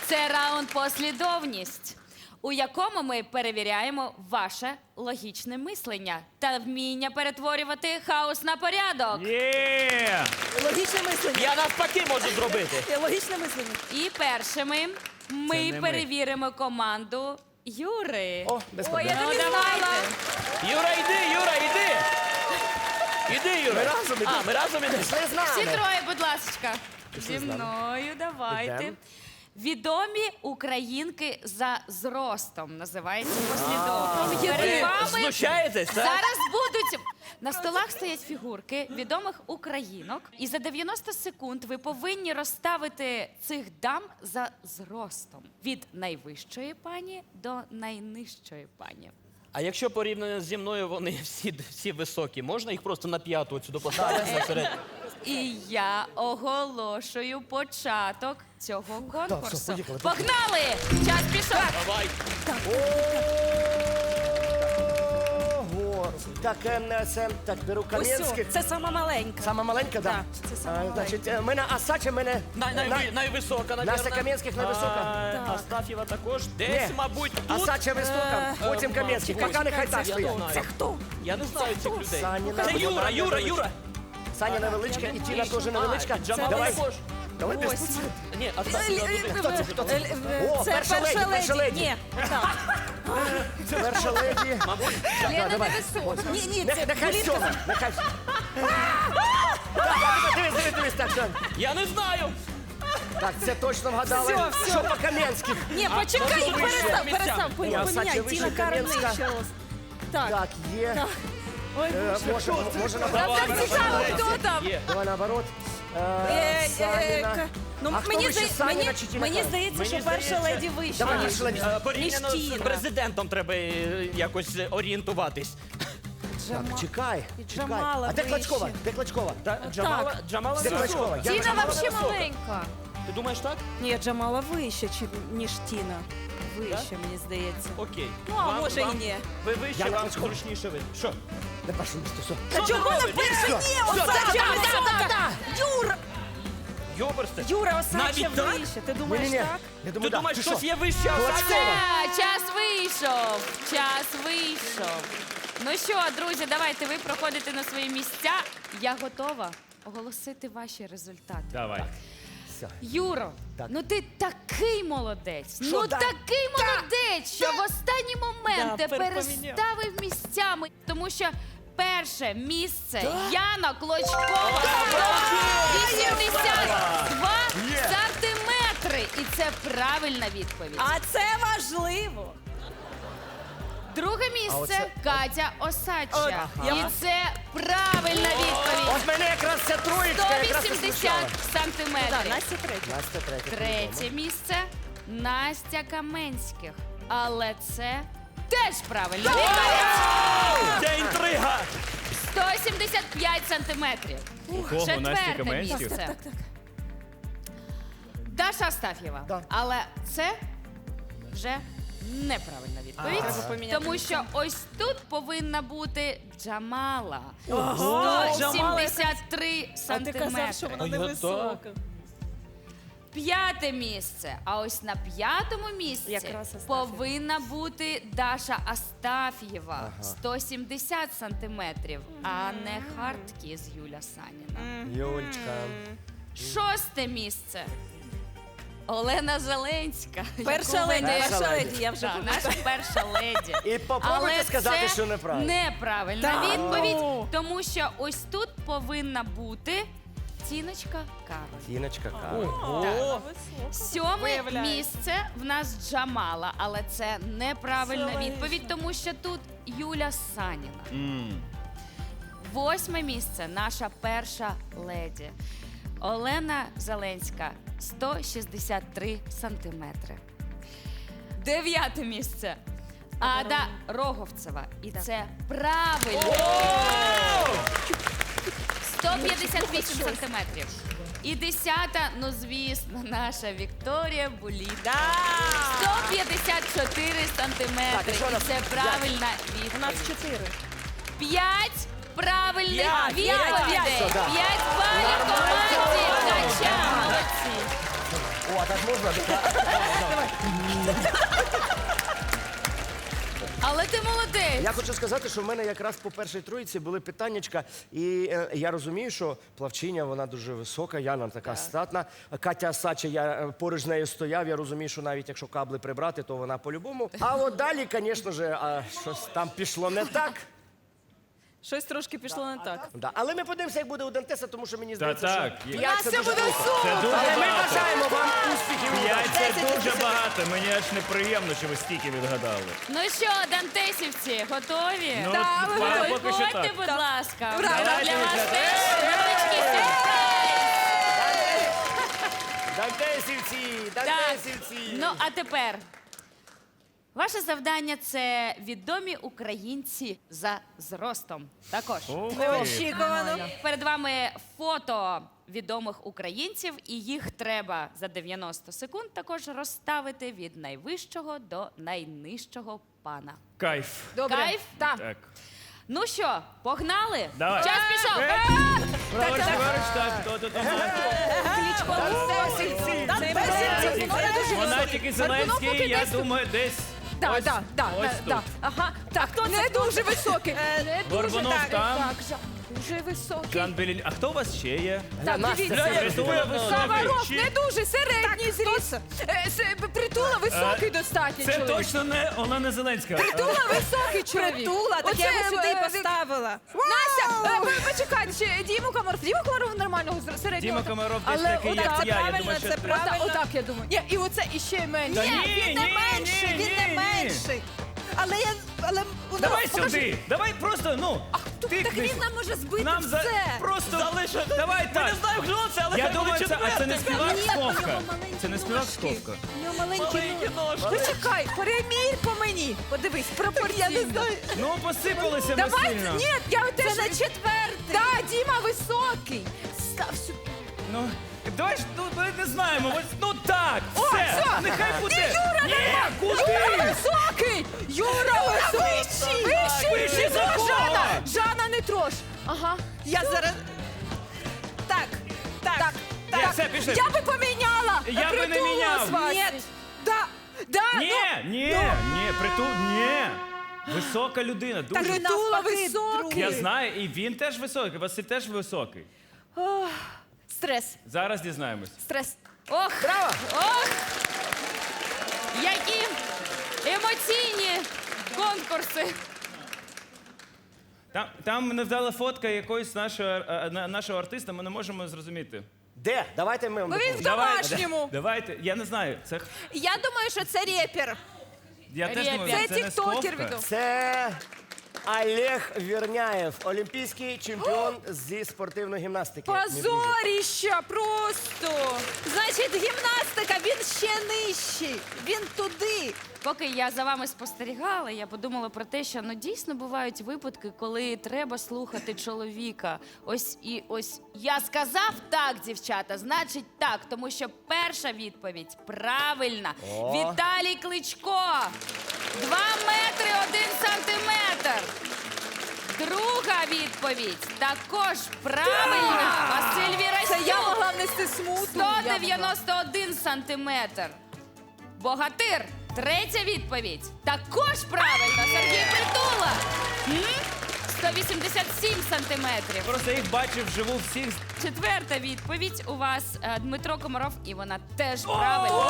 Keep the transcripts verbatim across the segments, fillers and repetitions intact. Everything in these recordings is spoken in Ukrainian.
Це раунд «Послідовність», у якому ми перевіряємо ваше логічне мислення та вміння перетворювати хаос на порядок. Є! Логічне мислення. Я навпаки можу зробити. Є Логічне мислення. І першими ми не ми. перевіримо команду Юри. О, без Ой, проблем. я тобі знала. Юра, йди, Юра, йди. Іди, Юра. Ми разом ідемо. А, ми разом ідемо. Пішли з нами. Всі троє, будь ласка. Пішли Зі з нами. мною, давайте. Ідем. Відомі українки за зростом називається послідовність. є Перед ви. вами Знущаєтесь, так? зараз будуть на столах стоять фігурки відомих українок, і за дев'яносто секунд ви повинні розставити цих дам за зростом від найвищої пані до найнижчої пані. А якщо порівняно зі мною вони всі, всі високі, можна їх просто на п'яту от сюди поставити насеред? І я оголошую початок цього конкурсу. все, поїхали, Погнали! Час пішов! Давай. Ого. Так, е, це, так, беру Ось Кам'янський. цю. Це сама маленька. Сама маленька, так? Так, це сама А, маленька. Значить, е, мене Асача, мене... Най, най, на- найвисока, навірно. Настя Кам'янських найвисока. А, Астафєва також. Десь, Ні. мабуть, тут. Асача висока, потім е, Кам'янський. ось, Кака нехай так я стоїть. знаю. Це хто? Я не знаю цих людей. Саніна, Це Юра, вона Юра, невеличка. Юра. Саня невеличка, і Тіна теж невеличка. А, Джамала Давай, також. давай без Ось. Ні, Астафєва туди. Хто це? Хто це? Е, О, Це перша леді, перша леді. Ні, так. Перша леді. Лена давай. невисока. Ні, ні, Не- це Нехай Полінка. сьома, нехай сьома. Так, Дивись, дивись, дивись, так, все. Я не знаю. Так, це точно вгадали. Всьо, всьо. Що по Кам'янських? Ні, А, почекай, може, вище перестав, місця? перестав. Ні, Поміняй, Асача вище, Тіна Карен Кам'янська. нижче рост. Так. Так, є. Ой, Е, Боже. Може, може Нам наоборот. так цікаво, хто там. Є. Давай наоборот. Е, Е, е, Саніна. к- Ну, А хто мені, вище, здає- Саніна мені, чи Тіна мені Карен? здається, Мені що перша здається- леді вища. Давай, ніж- перша леді. Е, Порівняно Ніж з Тіна. президентом треба е, якось е, орієнтуватись. Так, чекай, чекай. Джамала А де вище. Клочкова? Де Клочкова? Та, Джамала, Джамала Де висока. Клочкова? Я Тіна Джамала взагалі висока. маленька. Ти думаєш так? Ні, Джамала вище, чи- ніж Тіна. Вище, мені здається. Окей. Ну, а може і ні. Ви вище, Я на вам Клочкова. зручніше ви. Що? На першому місці, все. Та чому на перше? Ні, Все, Осадча так, висока! Юра! Йоберсте. Юра, Осадча Навіть так? вище. Ти думаєш Ні-ні-ні. так? Я Ти думаю, так. думаєш, Ти щось що? є вище? Клочкова. Все, час вийшов. Час вийшов. Ну що, друзі, давайте ви проходите на свої місця. Я готова оголосити ваші результати. Давай. Все. Юро, Так. ну ти такий молодець. Що, ну да? такий молодець, що в останній момент Да, ти перепоміняв. переставив місцями, тому що перше місце Яна Клочкова вісімдесят два сантиметри. І це правильна відповідь. А це важливо. Друге А місце оце- Катя Осадча. От, І я- це правильна відповідь. От мене якраз ця троєчка якраз і сто вісімдесят смущала. Так, сантиметрів. Настя третя. Настя третя. Третє місце Настя Каменських. Але це теж правильна відповідь. Це інтрига. сто сімдесят п'ять сантиметрів. Кого? Насті Четверте Каменських? місце. Так, так. Даша Астаф'єва. Да. Але це вже неправильна відповідь. Треба поміняти Тому що ось тут повинна бути Джамала. Ого, сто сімдесят три А ти казав, що сантиметри. вона А я невисока. П'яте місце. А ось на п'ятому місці Якраз Астаф'єва. повинна бути Даша Астаф'єва. сто сімдесят сантиметрів, а не хардкіз Юля Саніна. Юльчка. Шосте місце. Олена Зеленська. Перша яку леді, веде- перша леді, я вже Так, пам'ятаю. наша перша леді. І попробуйте Але сказати, це що неправильно. неправильна Та відповідь, ну! тому що ось тут повинна бути Тіночка Кароль. Тіночка кава. О, Сьоме Виявляється. місце в нас Джамала, але це неправильна Це відповідь, тому що тут Юля Саніна. М. Восьме місце наша перша леді. Олена Зеленська сто шістдесят три сантиметри. Дев'яте місце. Ада Роговцева. І це правильно. сто п'ятдесят вісім сантиметрів. І десята, ну звісно, наша Вікторія Буліда. сто п'ятдесят чотири сантиметри. Так, і що у І нас? це правильна У нас відповідь. чотири. П'ять правильних П'ять, відповідей. п'ять, да. П'ять балів команді Ткача. Молодці. О, а так можна? Але ти молодець. Я хочу сказати, що в мене якраз по першій троїці були питаннячка, і е, я розумію, що плавчиня, вона дуже висока, Яна така статна. Катя Сача, я е, поруч з нею стояв, я розумію, що навіть якщо кабли прибрати, то вона по-любому. А от далі, звісно ж, а, щось там пішло не так. Щось трошки пішло не так. Да. Але ми подивимося, як буде у Дантеса, тому що мені Та здається, так, що є. п'ять це дуже буде круто. Це дуже Але ми багато. бажаємо вам успіхів. і П'ять удачі. це дуже багато. Мені аж неприємно, що ви стільки відгадали. Ну що, дантесівці, готові? Ну, Так, ми поки готові. що Виходьте, так. будь ласка. Ура, Для давайте, вас дівчата. теж невеличкий сюрприз. Дантесівці, Так, Дантесівці. ну а тепер. Ваше завдання це відомі українці за зростом. Також. Ух ти. Неочікувано. Перед вами фото відомих українців, і їх треба за дев'яносто секунд також розставити від найвищого до найнижчого пана. Кайф. Добре. Кайф? Так. Так. Ну що, погнали? Давай. Час пішов. Е! Праворуч, ліворуч, так, хто тут? Вона тільки Зеленський, я думаю, десь Да, ось, да, да, ось да, да. тут. Ага. Так, не дуже високий. Не дуже Горбунов так. там. Так, Жа- дуже високий. Жан Белін. А хто у вас ще є? Так, Настя, дивіться. Бля, Притула високий. Саваров Чи- не дуже, середній зріст. Е, с- Притула високий достатньо Це чоловік. точно не Олена Зеленська. Притула високий чоловік. Притула, так я Оце, його сюди і е, поставила. Настя, е, ви- почекайте, ще Діму Комаров. Діма Комаров нормального зр- середнього. Діма Комаров десь Але такий, отак, як це я. Я правильно, думаю, що це треба- правильно. Отак, я думаю. Ні, і оце іще менше. Та ні, Він не ні, менший, ні, він не ні. менший. Але я, але у нас- Давай покажи. сюди. Давай просто, ну, Так тикни. він нам може збити Нам за... все. просто залишити. Давай так. Не знаю, хто це, але Я хай буде думаю, це, а це не четвертий. співак Ні, у нього Сковка. маленькі Це не співак ножки. Сковка. У нього маленькі Маленькі ножки. ножки. Почекай, перемір по мені. Подивись, пропорційно. Я не знаю. Ну, посипалися ми Давай, сильно. ні, я теж Це на четвертий. Да, Діма високий. Став сюди. Ну, давай ж, ну, ми не знаємо. Ось, ну так, О, все. все. Нехай буде. Ні, Юра, Ні, Юра куди? високий! Юра високий! Вищий! Вищий за Жана! кого? Жана! Жана не трош! Ага. Я зараз... Так, так, так. Ні, все, пішли. Я би поміняла! Я би не Притула міняв. з Васі. Ні. Да, да, Ні, ну, ні, ні, притул, ні. Висока людина, Так, дуже. Притула навпаки, високий. Я знаю, і він теж високий, Василь теж високий. Стрес, Зараз дізнаємось. стрес. Ох, Браво! ох! Які емоційні конкурси. Там, там невдала фотка якоїсь нашого, е, на- нашого артиста, ми не можемо зрозуміти. Де? Давайте ми вам Ну, він допоможемо. в домашньому. Давайте, я не знаю, це х- Я думаю, що це репер. я теж Репер. думаю, Це це не тіктокер Сковка. відомо. Це Олег Вірняєв, олімпійський чемпіон зі спортивної гімнастики. мій друже. Позоріща просто. Значить, гімнастика, він ще нижчий. Він туди. Поки я за вами спостерігала, я подумала про те, що ну дійсно бувають випадки, коли треба слухати чоловіка. Ось і ось я сказав так, дівчата, значить так, тому що перша відповідь правильна. О. Віталій Кличко. Два метри один сантиметр. Друга відповідь також правильна. Василь Це я Вірастюк. могла внести смуту. сто дев'яносто один сантиметр. Богатир. Третя відповідь. Також правильно. Сергій Притула. М? сто вісімдесят сім сантиметрів. Просто їх бачив вживу всіх. Четверта відповідь у вас е, Дмитро Комаров, і вона теж правильна.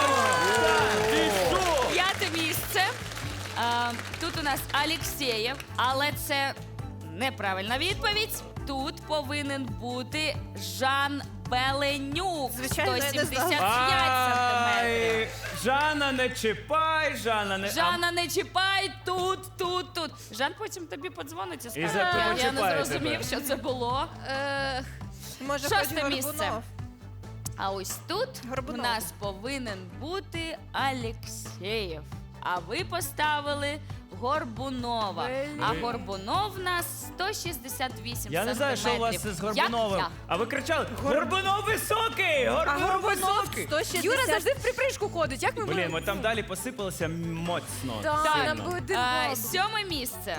П'яте місце. Е, Тут у нас Алєксєєв, але це неправильна відповідь. Тут повинен бути Жан Беленюк. Звичайно, я не сто сімдесят знала. п'ять сантиметрів. Ай, Жанна, не чіпай, Жанна, не... Жана, не чіпай тут, тут, тут. Жан потім тобі подзвонить і скаже, за- я, я не почіпає зрозумів, тебе. що це було. Е, Може, Шосте хоч місце. Горбунов. А ось тут Горбунов. у нас повинен бути Алєксєєв. А ви поставили Горбунова. А Горбунов у нас сто шістдесят вісім Я не знаю, що у вас сантиметрів. з Горбуновим. Як? А ви кричали, Горбунов високий! А Горбунов Горбунов високий! сто шістдесят. Юра завжди в припрыжку ходить. Як ми Блін, будемо? ми там далі посипалися моцно. Да, сильно. нам буде А, бабу. сьоме місце.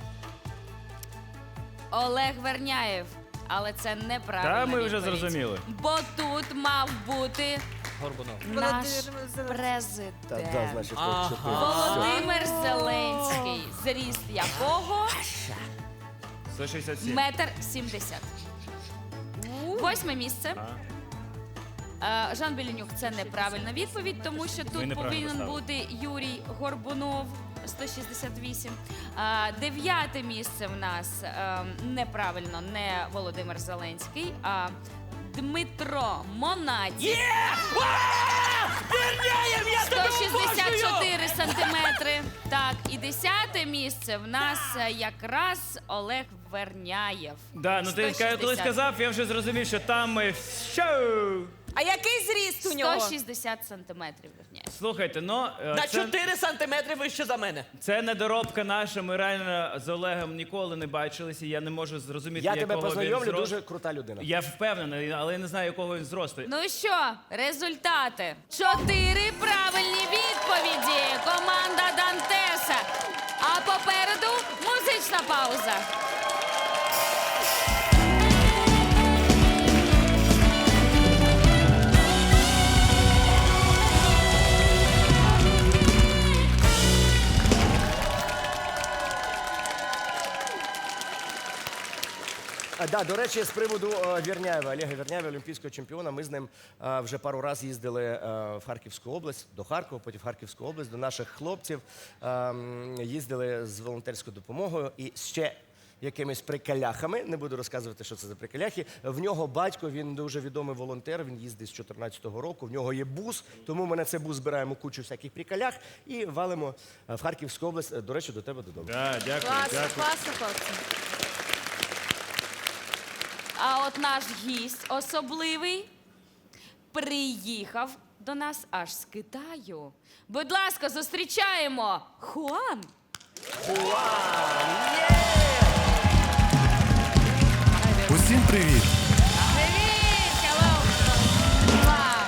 Олег Верняєв. Але це неправильно. Та ми вже зрозуміли. Бо тут мав бути Горбунов. Наш Володимир Зеленський. президент. Та, да, значить, Ага. от чотири. Володимир Зеленський, зріст якого сто шістдесят сім. метр сімдесят. Восьме місце. Е, Жан Беленюк – це неправильна відповідь, тому що тут неправильно повинен поставили. бути Юрій Горбунов, сто шістдесят вісім. Е, Дев'яте місце в нас е, неправильно, не Володимир Зеленський, а Дмитро Монаді. сто шістдесят чотири сантиметри. Так, і десяте місце в нас е, якраз Олег Верняєв. Да, ну ти сто коли шістдесят. сказав, я вже зрозумів, що там ми що. А який зріст у нього? сто шістдесят сантиметрів Верняєв. Слухайте, ну е, На це, чотири сантиметри вище за мене. це недоробка наша. Ми реально з Олегом ніколи не бачилися. Я не можу зрозуміти, Я якого тебе він познайомлю, зросту. дуже крута людина. Я впевнений, але я не знаю, якого він зросту. Ну що, результати? Чотири правильні відповіді. Команда Дантеса. А попереду музична пауза. А, да, до речі, з приводу е, Вірняєва, Олега Вірняєва, олімпійського чемпіона, ми з ним е, вже пару разів їздили е, в Харківську область, до Харкова, потім в Харківську область, до наших хлопців. Е, м, їздили з волонтерською допомогою і ще якимись приколяхами, не буду розказувати, що це за приколяхи. В нього батько, він дуже відомий волонтер, він їздить з чотирнадцятого року, в нього є бус, тому ми на цей бус збираємо кучу всяких приколях і валимо е, в Харківську область, е, до речі, до тебе додому. Да, дякую, Класно, дякую. класно, хлопці. А от наш гість особливий приїхав до нас аж з Китаю. Будь ласка, зустрічаємо Хуан. Усім привіт! Привіт! Hello! Муа!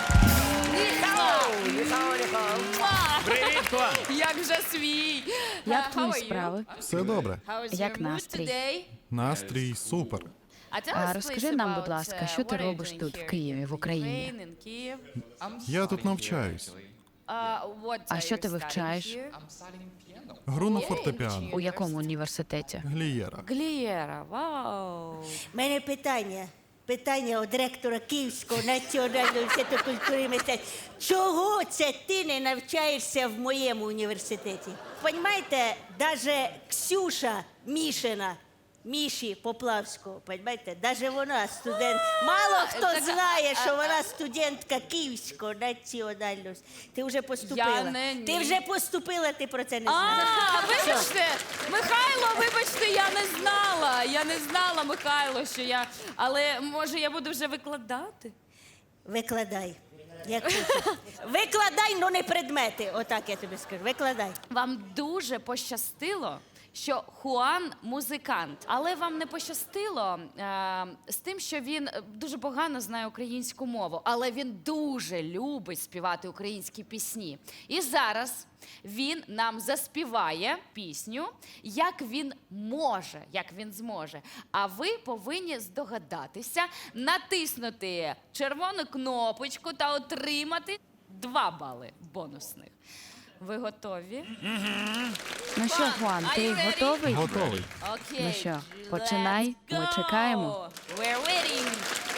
Муа! Привіт, Хуан! Як же свій! Як Uh, how твої are you? справи? Все добре. How is Як your mood настрій? today? Настрій супер. А tell А us, розкажи please, нам, about, будь ласка, uh, що ти what are you робиш doing тут, в here Києві, в in Україні? Ukraine, in Kyiv? Я тут навчаюсь. Uh, what А are що you ти studying вивчаєш? here? Гру на фортепіано. У якому університеті? Глієра. Глієра, вау! У мене питання. Питання від ректора Київського національного університету культури і мистецтв. Чого це ти не навчаєшся в моєму університеті? Понімаєте, навіть Ксюша Мішина, Міші Поплавського, понімаєте, навіть вона студент. Мало хто так, знає, що вона студентка Київського національного. Ти вже поступила. не- ні. Ти вже поступила, ти про це не А, знаєш. вибачте, Михайло, вибачте, я не знала. Я не знала, Михайло, що я. Але може я буду вже викладати? Викладай. Як хочеш. Викладай, ну не предмети. Отак я тобі скажу. Викладай. Вам дуже пощастило, що Хуан музикант, але вам не пощастило е, з тим, що він е, дуже погано знає українську мову, але він дуже любить співати українські пісні. І зараз він нам заспіває пісню, як він може, як він зможе. А ви повинні здогадатися, натиснути червону кнопочку та отримати два бали бонусних. Ви готові? Ну що, Хуан, Are ти you ready? готовий? Готовий. Окей. Ну що, починай, let's ми go. чекаємо. We're waiting.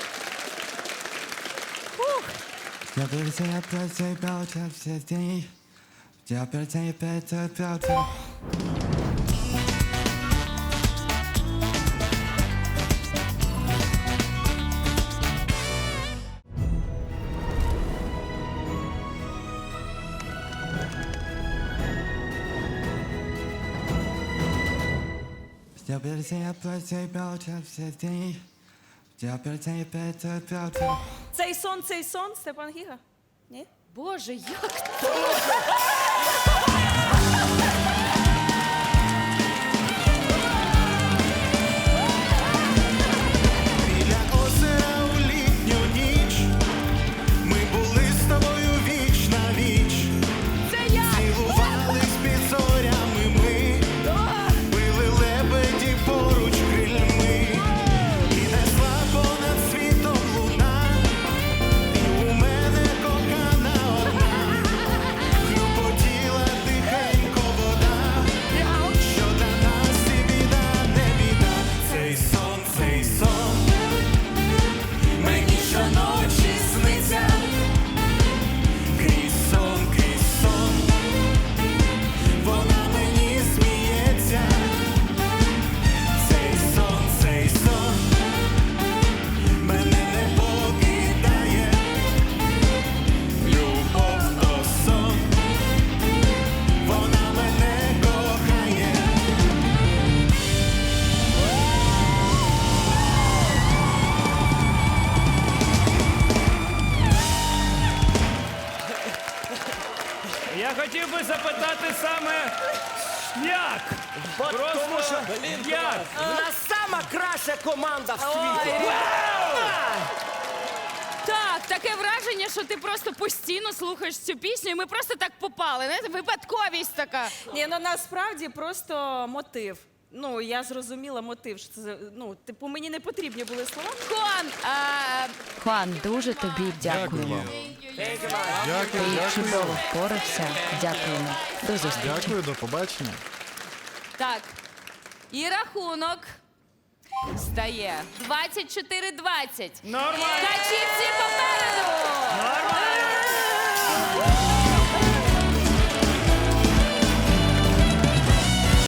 Я перед опять заебался все дни. Я перед опять заебался. Я перед опять заебался все дни. Я перед опять заебался. Цей сон, цей сон, Степан Гіга? Ні? Боже, як Біля озера у літню ніч ми були з тобою віч на віч. це я! Цілувались під зорями ми, били лебеді поруч крильми. І несла понад світом луна, і у мене кохання сказати саме як. Бо- Просто тому що як. в нас сама краща команда в світі. Так, таке враження, що ти просто постійно слухаєш цю пісню, і ми просто так попали. Знаєте, випадковість така. Ні, ну насправді просто мотив. Ну, я зрозуміла мотив. Що це, ну, типу, мені не потрібні були слова. Хуан, а, Хуан, дуже тобі Дякую дякуємо. вам. Дякую, Ти дякую. чудово впорався. Дякуємо. До зустрічі. Дякую, до побачення. так. І рахунок стає двадцять чотири двадцять. Нормально. Качівці попереду!